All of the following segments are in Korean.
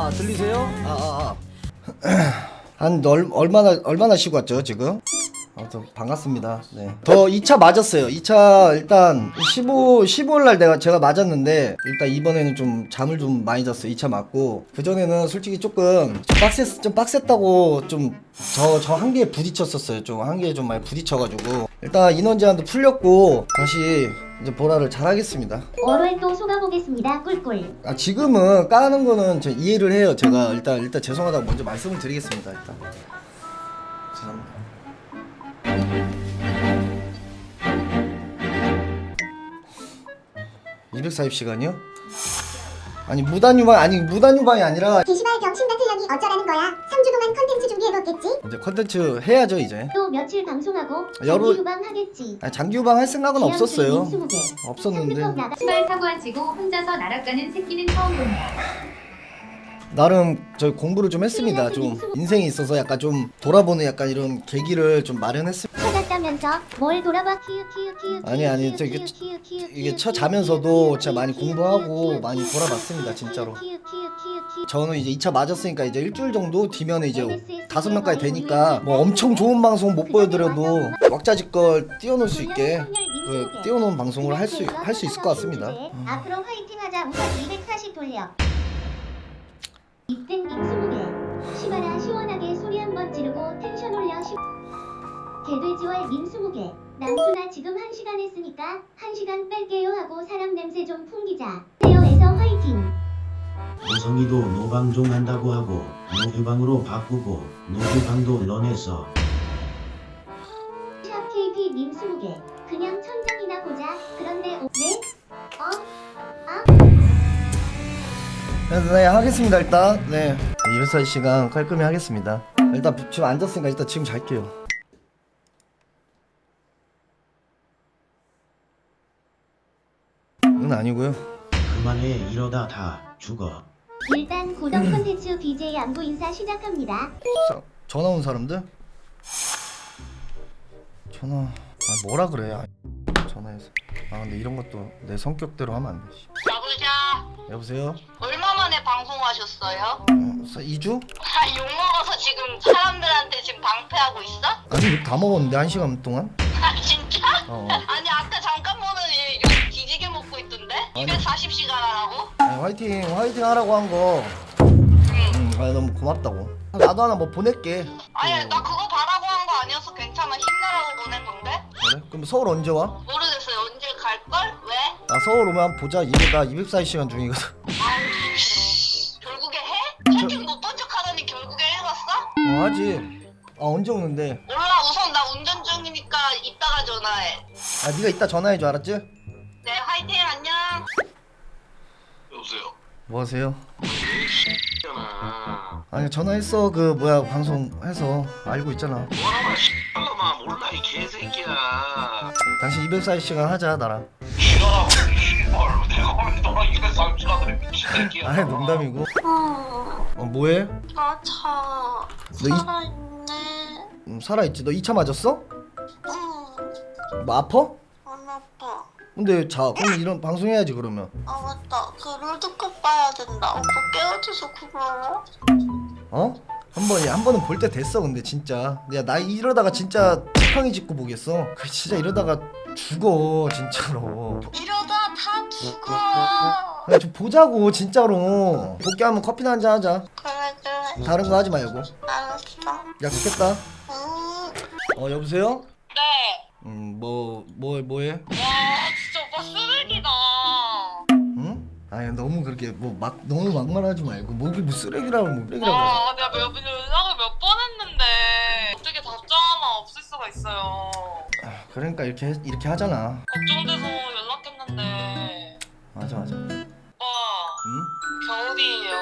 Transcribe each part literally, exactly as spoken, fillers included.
아 들리세요? 아아아 한 얼, 얼마나 얼마나 쉬고 왔죠 지금? 아무튼 반갑습니다. 네. 더 이 차 맞았어요. 이 차 일단 십오, 십오일날 내가 제가 맞았는데 일단 이번에는 좀 잠을 좀 많이 잤어요. 이 차 맞고 그 전에는 솔직히 조금 좀 빡셌 좀 빡셌다고 좀 저 저 한계에 부딪혔었어요. 좀 한계에 좀 많이 부딪혀가지고 일단 인원 제한도 풀렸고 다시 이제 보라를 잘하겠습니다. 월요일 또 속아보겠습니다. 꿀꿀. 아 지금은 까는 거는 저 이해를 해요. 제가 일단 일단 죄송하다고 먼저 말씀을 드리겠습니다. 일단 죄송합니다. 이백사십 시간이요? 아니 무단 유방 아니 무단 유방이 아니라 게시발 병신 같은 년이 어쩌라는 거야. 삼 주 동안 컨텐츠 준비해놓겠지? 이제 컨텐츠 해야죠 이제. 또 며칠 방송하고 여러- 장기 유방하겠지. 아니, 장기 유방 할 생각은 없었어요. 민수무게. 없었는데 상급법 나가. 시발 사고 안 치고 혼자서 날아가는 새끼는 처음 본다. 나름 저 공부를 좀 했습니다. 좀 인생에 있어서 약간 좀 돌아보는 약간 이런 계기를 좀 마련했습니다. 찾았다면서 뭘 돌아봐 키읔 키읔 키읔 아니, 아니, 키읔, 저 이게- 키읔, 키읔, 키읔, 이게 키읔, 쳐 키읔, 자면서도 키읔, 제가 많이 키읔, 공부하고 키읔, 많이 키읔, 돌아봤습니다, 키읔, 진짜로. 키읔, 키읔, 키읔, 키읔. 저는 이제 이 차 맞았으니까 이제 일주일 정도 뒤면 이제 다섯 명까지 되니까 뭐 엄청 좋은 방송 못 보여드려도 왁자지껄 띄워놓을 수 있게 그 띄워놓은 방송을 할 수 할 수 있을 것 같습니다. 음. 앞으로 화이팅하자. 우선 이백사십 돌려. 이땐 익스무게. 시바라 시원하게 소리 한번 지르고 텐션 올려. 시... 개돼지월 민수무게. 남순아 지금 한 시간 했으니까 한 시간 뺄게요 하고 사람 냄새 좀 풍기자. 세요에서 화이팅. 보성이도 노방종 한다고 하고 노휴방으로 바꾸고 노휴방도 런해서 샵 케이피 민수무게. 그냥 천장이나 보자. 그런데 오... 네? 어? 네, 네 하겠습니다 일단. 네 이백사십 시간 깔끔히 하겠습니다. 일단 지금 앉았으니까 일단 지금 잘게요. 은 아니고요. 그만해 이러다 다 죽어. 일단 고정 콘텐츠 비제이 안부 인사 시작합니다. 사, 전화 온 사람들? 전화 아 뭐라 그래 아, 전화해서 아 근데 이런 것도 내 성격대로 하면 안 되지. 여보세요? 여보세요? 얼마 만에 방송하셨어요? 어, 이 주? 아, 욕먹어서 지금 사람들한테 지금 방패하고 있어? 아니 욕 다 먹었는데 한 시간 동안? 아, 진짜? 어 아니, 아까 잠깐 보더니 욕 뒤지게 먹고 있던데? 이백사십 시간 하라고? 아니, 화이팅 화이팅 하라고 한거 음, 아 너무 고맙다고. 나도 하나 뭐 보낼게. 아니, 어, 나 그거 바라고 한 거 아니어서 괜찮아. 힘내라고 보낸 건데? 그래? 그럼 서울 언제 와? 모르겠어요. 언제 갈걸? 왜? 나 서울 오면 한번 보자. 이게 나 이백사십 시간 중이거든. 아우, 씨. 결국에 해? 채팅 못 본 척 하더니 결국에 해봤어? 어 하지. 아 언제 오는데? 몰라, 우선 나 운전 중이니까 이따가 전화해. 아 네가 이따 전화해줘 알았지? 네, 화이팅, 안녕. 여보세요. 뭐 하세요? 잖아. 아니 전화했어. 그 뭐야 방송해서 알고 있잖아. 뭐라마 씨발라마 몰라 이 개새끼야. 당신 이백사십 시간 하자 나랑. 지랄하고 씨발 내가 왜 너랑 이백삼십 시간을 미친 새끼야. 아니 농담이고. 어, 어 뭐해? 나 차 너 이- 살아있네. 음, 살아있지. 너 이 차 맞았어? 응, 뭐 아파? 안 아파. 근데 자 그럼 이런 방송 해야지 그러면. 아 맞다, 그 롤드컵 봐야 된다. 오빠 깨워줘서 고마워. 어? 한 번이 한 번은 볼 때 됐어. 근데 진짜 야나 이러다가 진짜 지팡이 짚고 보겠어. 그 진짜 이러다가 죽어 진짜로. 이러다 다 죽어. 야, 좀 보자고 진짜로. 복귀하면 커피나 한잔 하자. 그래 그래, 다른 거 하지 말고. 알았어. 약속했다. 응. 어 여보세요? 네. 음뭐 뭐 뭐해? 와, 진짜 오빠 쓰레기다. 응? 아니 너무 그렇게 뭐 막 너무 막말하지 말고 뭐뭐 쓰레기라고 뭐 쓰레기라고. 아, 내가 몇, 연락을 몇 번 했는데 어떻게 답장 하나 없을 수가 있어요. 아, 그러니까 이렇게 해- 이렇게 하잖아. 걱정돼서 연락했는데 맞아 맞아. 오빠 응? 겨울이에요.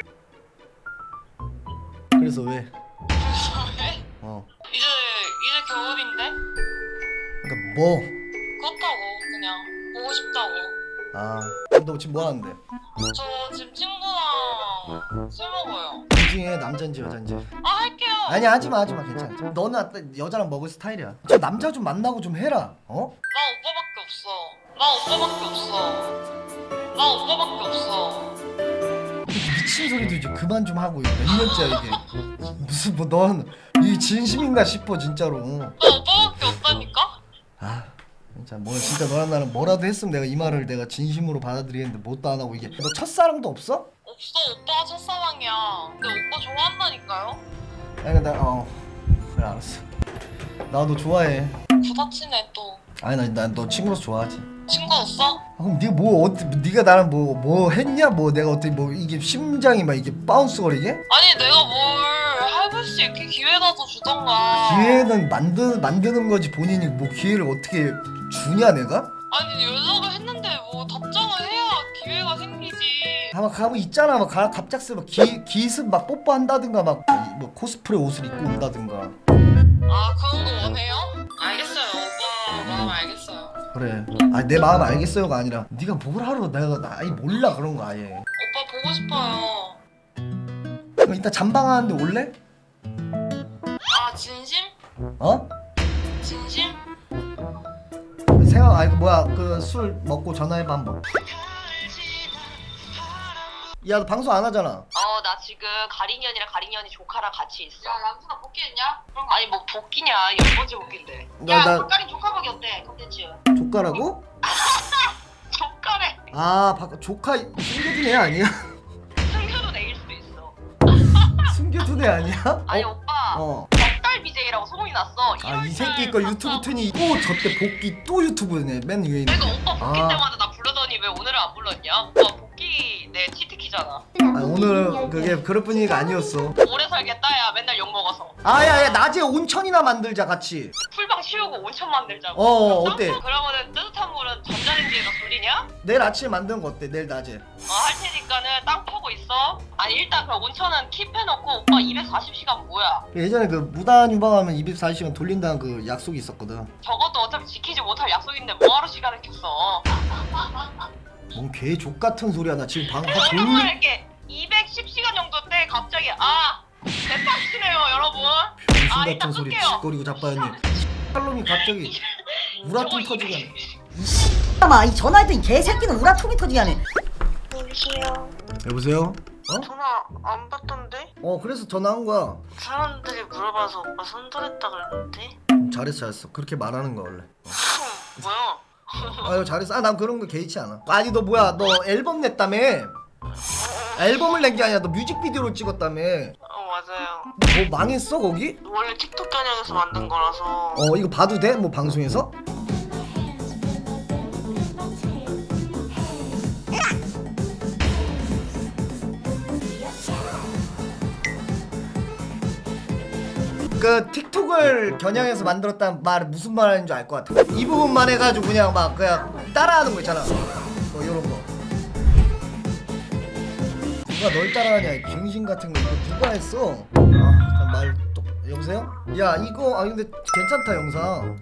그래서 왜? 그래서 왜? 어. 이제 이제 겨울인데? 그러니까 뭐? 그렇다고 그냥 보고 싶다고. 아, 너 지금 뭐 하는데? 저 지금 친구랑 술 먹어요. 이 중에 남잔지 여잔지. 아, 할게요. 아니 하지 마 하지 마 괜찮아. 너는 아까 여자랑 먹을 스타일이야. 저 남자 좀 만나고 좀 해라. 어? 나 오빠밖에 없어. 나 오빠밖에 없어. 나 오빠밖에 없어. 미친 소리도 이제 그만 좀 하고 몇 년째야 이게. 무슨 뭐 넌 이 진심인가 싶어 진짜로. 나 오빠밖에 없다니까? 아 진짜 뭐 진짜 너랑 나는 뭐라도 했으면 내가 이 말을 내가 진심으로 받아들이겠는데 뭣도 안 하고 이게. 너 첫사랑도 없어? 없어, 오빠가 첫사랑이야. 근데 오빠 좋아한다니까요? 아니 나어 그래 알았어. 나 너 좋아해. 부다치네 또. 아니 나 너 친구로서 좋아하지. 친구였어? 아, 그럼 네가 뭐 어때? 네가 나랑 뭐 뭐 했냐? 뭐 내가 어떻게 뭐 이게 심장이 막 이게 바운스 거리게? 아니 내가 뭘 해볼 수 있게 기회라도 주던가. 기회는 만드 만드는 거지 본인이 뭐 기회를 어떻게 주냐 내가? 아니 연락을 했는데 뭐 답장을 해야 기회가 생기지. 아마 가면 있잖아 막 가- 갑작스레 막 기, 기습 막 뽀뽀한다든가 막 뭐 코스프레 옷을 입고 온다든가. 아 그런 거 원해요? 알겠어요. 오빠 마음 알겠어요. 그래. 아 내 마음 알겠어요가 아니라 네가 뭘 하러 내가 나 아예 몰라 그런 거 아예. 오빠 보고 싶어요. 그럼 이따 잠방하는데 올래? 아 진심? 어? 진심? 생각 아니 그 뭐야 그 술 먹고 전화해봐 한번. 야 너 방송 안 하잖아. 어 나 지금 가린이 언니랑 가린이 언니 조카랑 같이 있어. 야 남순아 복귀했냐? 그런 거 아니 뭐 복귀냐 열 번째 복귀인데. 나- 야 나- 조카린 조카밖에 어때 컨텐츠. 조카라고? 조카래. 아 바, 조카 숨겨둔 애 아니야? 숨겨도 내일 수도 있어. 숨겨둔 애 아니야? 아니 어? 오빠 어. 덕달 비제이라고 소문이 났어. 아 이 새끼 거 유튜브 트니 또 저때 복귀 또 유튜브네 맨 위에 있는. 내가 오빠 복귀 아. 때마다 나 부르더니 왜 오늘은 안 불렀냐? 오빠 복귀 내 치트키잖아. 아 오늘 그게 그럴 분위기가 아니었어. 오래 살겠다 야 맨날 욕 먹어서. 아야야 낮에 온천이나 만들자 같이. 풀방 치우고 온천 만들자고. 어 어때? 그러면은 뜨뜻한 물은 전자레인지에다 돌리냐? 내일 아침에 만드는 거 어때? 내일 낮에. 어, 할 테니까는 땅 파고 있어. 아니 일단 그럼 온천은 킵해놓고 오빠 이백사십 시간 뭐야? 예전에 그 무단 유방하면 이백사십 시간 돌린다는 그 약속이 있었거든. 저것도 어차피 지키지 못할 약속인데 뭐하러 시간을 켰어? 뭔 개족 같은 소리야 나 지금 방금 그래서 다 오랜만에 돌리. 이렇게 이백십 시간 정도 때 갑자기 아 대박치네요 여러분. 병신 아, 같은 일단 소리 끌게요. 짓거리고 자빠졌니. 팔놈이 갑자기 우라통 터지게. 아마 이 전화했더니 이 개새끼는 우라통이 터지게 하네. 여보세요. 여보세요? 어? 전화 안 받던데? 어 그래서 전화한 거야. 사람들이 물어봐서 오빠 손절했다 그랬는데? 음, 잘했어 잘했어. 그렇게 말하는 거 원래. 뭐야? 아유 잘했어. 아 난 그런 거 개의치 않아. 아니 너 뭐야 너 앨범 냈다며? 앨범을 낸 게 아니라 너 뮤직비디오를 찍었다며. 어 맞아요. 뭐 망했어 거기? 원래 틱톡 겨냥해서 만든 거라서. 어 이거 봐도 돼? 뭐 방송에서? 그 틱톡을 겨냥해서 만들었다는 말 무슨 말 하는지 알 것 같아. 이 부분만 해가지고 그냥 막 그냥 따라하는 거 있잖아. 뭐 이런 거. 누가 널 따라하냐 이 병신 같은 거 이거 누가 했어? 아말 또 여보세요? 야 이거 아 근데 괜찮다 영상.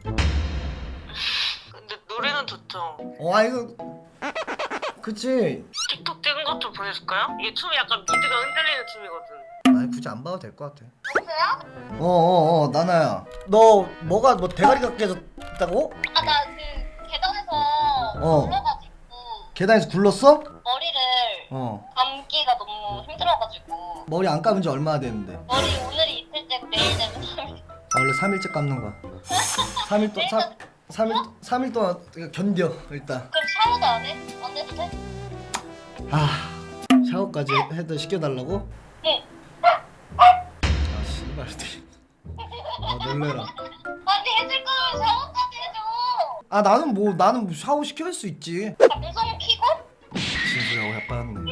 근데 노래는 좋죠. 어 아 이거 그치. 틱톡 찍은 것 좀 보여줄까요? 이게 춤이 약간 미드가 흔들리는 춤이거든. 아니 굳이 안 봐도 될 것 같아. 여보세요? 어어어 나나야. 너 뭐가 뭐 대가리가 깨졌다고? 아 나 그 계단에서 어. 올라가지고 계단에서 굴렀어? 머리를 어. 감기가 너무 힘들어가지고 머리 안 감은 지 얼마나 됐는데? 머리 오늘이 이틀째고 내일 되면 삼 일. 아, 원래 삼 일째 감는 거야. 삼 일 동안 삼 일 삼 일 동안 견뎌 일단. 그럼 샤워도 안 해? 안 해도 돼? 아 샤워까지 해도 시켜달라고? 응. 아 씨발. 아 놀래라. 아니 해줄 거면 샤워까지 해줘. 아 나는 뭐 나는 뭐 샤워 시켜줄 수 있지. 방송 키고? 진수라고 해빠졌네.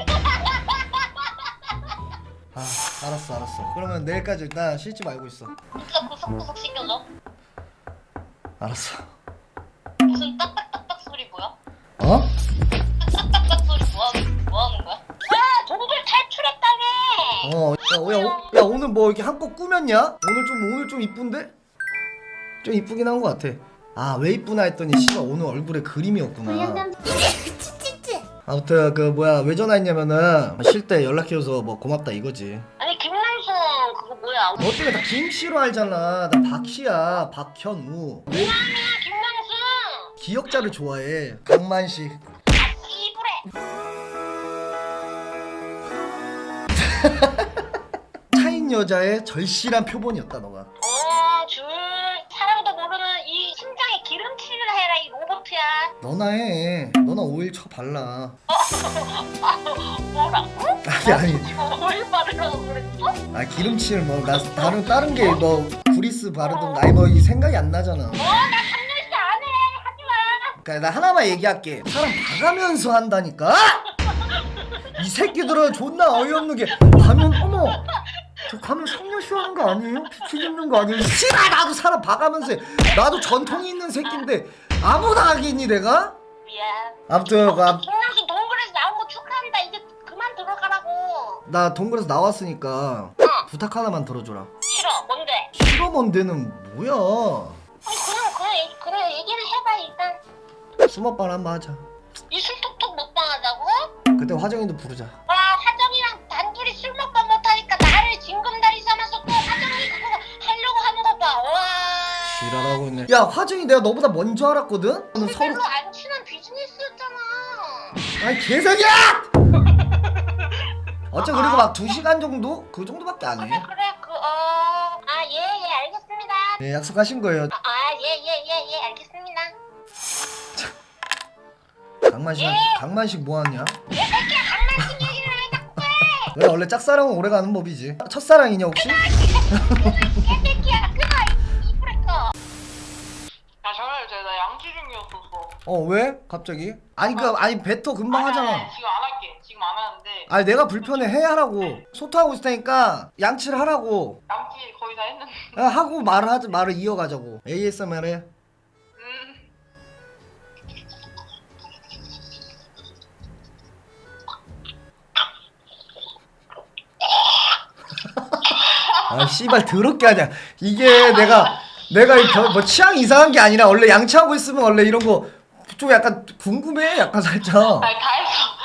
아 알았어 알았어. 그러면 내일까지 일단 씻지 말고 있어. 진짜 구석구석 시켜줘. 알았어. 무슨 딱딱딱딱 소리 뭐야? 어? 딱딱딱딱 소리 뭐하는 뭐하는 거야? 아 동굴 탈출했다네. 어, 야, 야, 오, 야 오늘 뭐 이렇게 한껏 꾸몄냐? 오늘 좀 오늘 좀 이쁜데? 좀 이쁘긴 한 것 같아. 아 왜 이쁘나 했더니 씨발 오늘 얼굴에 그림이었구나. 불량감 아무튼 그 뭐야 왜 전화했냐면은 쉴 때 연락해줘서 뭐 고맙다 이거지. 아니 김남순 그거 뭐야? 너 때문에 다 김씨로 알잖아. 나 박씨야 박현우. 왜 김남순 기억자를 좋아해. 강만식. 이불에 차인 여자의 절실한 표본이었다 너가. 어줄 사랑도 모르는 이 심장에 기름칠을 해라 이 로봇이야. 너나 해. 너나 오일 쳐 발라. 뭐라고? 아니 아니. 지금 오일 바르라고 그랬어? 아 기름칠 뭐 나 다른 다른 게 뭐 그리스 바르든 아니 뭐 이 생각이 안 나잖아. 어나 삼 년째 안 해. 하지마. 그러니까 나 하나만 얘기할게. 사람 봐가면서 한다니까. 이 새끼들은 존나 어이없는 게 가면 어머 저 가면 성녀쇼 하는 거 아니에요? 비키니 입는 거 아니에요? 씨발 나도 사람 봐가면서 해. 나도 전통이 있는 새끼인데 아무나 하겠니 내가? 미안. 아무튼 그 앞- 김남순 동굴에서 나온 거 축하한다. 이제 그만 들어가라고. 나 동굴에서 나왔으니까 부탁 하나만 들어줘라. 싫어. 뭔데? 싫어 뭔데는 뭐야? 아니 그냥 그냥 얘기- 그냥 얘기를 해봐 일단. 수모반 한번 하자. 이술 톡톡 먹방하자고? 그때 화정이도 부르자. 와 화정이랑 단둘이 술 먹방 못하니까 나를 징검다리 삼아서 또 화정이 그거 하려고 하는 거 봐. 와. 지랄하고 있네. 야 화정이 내가 너보다 먼저 알았거든? 너는 우리 서로 별로 안 친한 비즈니스였잖아. 아니 개새끼야! 어째 그리고 막 두 시간 정도? 그 정도밖에 안 그래 해. 그래 그어아예예 알겠습니다. 네 약속하신 거예요. 아예예예 예, 알겠습니다. 강만식 예. 강만식 뭐 하냐? 이 새끼야 강만식 얘기를 왜 자꾸 해? 왜 원래 짝사랑은 오래가는 법이지. 첫사랑이냐 혹시? 개새끼야 끊어 이 브레이커. 야 전화해줘. 나 양치 중이었었어. 어 왜? 갑자기? 아니 그 아니 배터 금방 아니, 아니, 하잖아. 지금 안 할게. 지금 안 하는데 아니 내가 불편해 해 하라고. 소통하고 있을 테니까 양치를 하라고. 양치 거의 다 했는데. 야, 하고 말을 하자 말을 이어가자고. 에이에스엠알 해. 음. 아 씨발 더럽게 하냐. 이게 내가 내가 이 겨- 뭐 취향 이상한 게 아니라 원래 양치하고 있으면 원래 이런 거 좀 약간 궁금해 약간 살짝. 아니 다 했어.